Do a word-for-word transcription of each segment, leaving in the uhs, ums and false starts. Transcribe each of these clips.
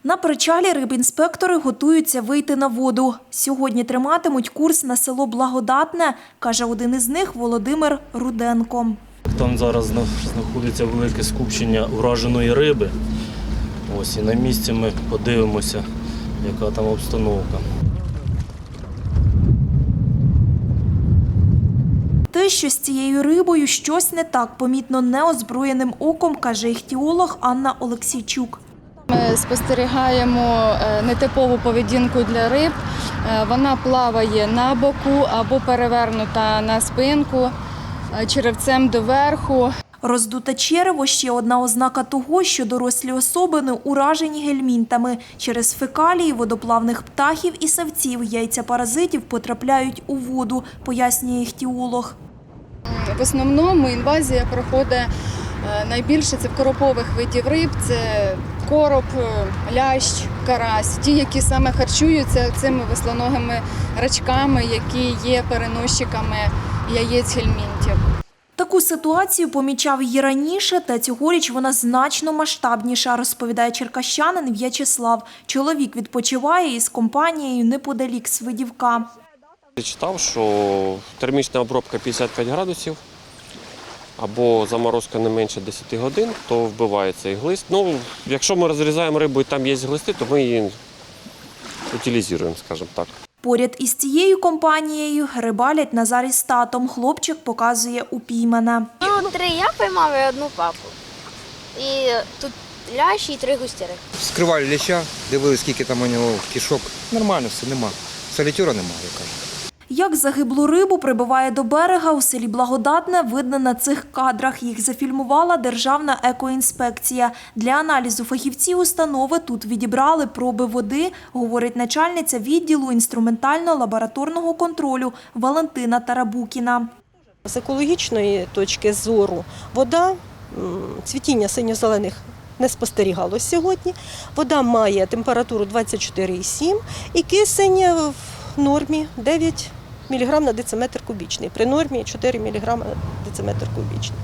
На причалі рибінспектори готуються вийти на воду. Сьогодні триматимуть курс на село Благодатне, каже один із них Володимир Руденко. Там зараз знаходиться велике скупчення враженої риби. Ось і на місці ми подивимося, яка там обстановка. Те, що з цією рибою щось не так, помітно неозброєним оком, каже іхтіолог Анна Олексійчук. Ми спостерігаємо нетипову поведінку для риб. Вона плаває на боку або перевернута на спинку, черевцем доверху. Роздуте черево – ще одна ознака того, що дорослі особини уражені гельмінтами. Через фекалії водоплавних птахів і савців яйця паразитів потрапляють у воду, пояснює іхтіолог. В основному інвазія проходить найбільше це в коропових видів риб, це короб, лящ, карась, ті, які саме харчуються цими веслоногими рачками, які є переносчиками яєць гельмінтів. Таку ситуацію помічав і раніше, та цьогоріч вона значно масштабніша, розповідає черкащанин В'ячеслав. Чоловік відпочиває із компанією неподалік Свидівка. Я читав, що термічна обробка п'ятдесят п'ять градусів або заморозка не менше десяти годин, то вбивається і глист. Ну, якщо ми розрізаємо рибу і там є глисти, то ми її утилізуємо, скажімо так. Поряд із цією компанією рибалять Назарій з татом. Хлопчик показує упіймане. Ну, три я поймав і одну папу. І тут лящ і три густіри. Скривали ляща, дивилися, скільки там у нього кишок. Нормально все, нема. Солітюра немає, я кажу. Як загиблу рибу прибиває до берега у селі Благодатне, видно на цих кадрах. Їх зафільмувала Державна екоінспекція. Для аналізу фахівці установи тут відібрали проби води, говорить начальниця відділу інструментально-лабораторного контролю Валентина Тарабукіна. З екологічної точки зору вода, цвітіння синьо-зелених не спостерігалось сьогодні. Вода має температуру двадцять чотири цілих сім і кисень в нормі дев'ять міліграм на дециметр кубічний, при нормі чотири міліграми на дециметр кубічний.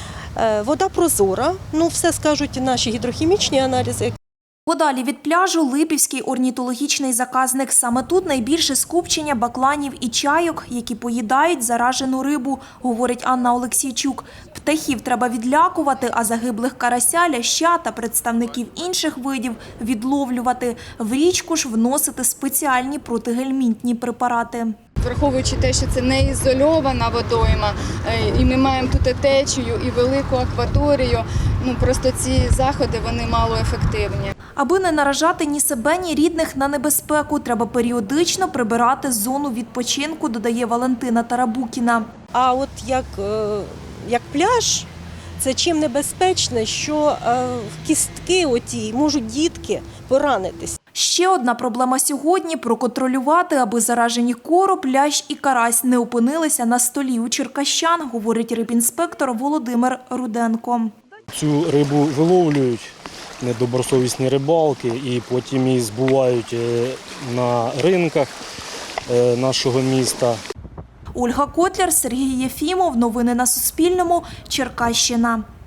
Вода прозора, ну все скажуть наші гідрохімічні аналізи. Подалі від пляжу Липівський орнітологічний заказник. Саме тут найбільше скупчення бакланів і чайок, які поїдають заражену рибу, говорить Анна Олексійчук. Птахів треба відлякувати, а загиблих карася, ляща та представників інших видів відловлювати. В річку ж вносити спеціальні протигельмінтні препарати. Враховуючи те, що це не ізольована водойма, і ми маємо тут і течію, і велику акваторію, ну просто ці заходи вони малоефективні. Аби не наражати ні себе, ні рідних на небезпеку, треба періодично прибирати зону відпочинку, додає Валентина Тарабукіна. А от як, як пляж, це чим небезпечне, що в кістки оті можуть дітки поранитись. Ще одна проблема сьогодні – проконтролювати, аби заражені короб, лящ і карась не опинилися на столі у черкащан, говорить рибінспектор Володимир Руденко. Цю рибу виловлюють недобросовісні рибалки і потім її збувають на ринках нашого міста. Ольга Котляр, Сергій Єфімов. Новини на Суспільному. Черкащина.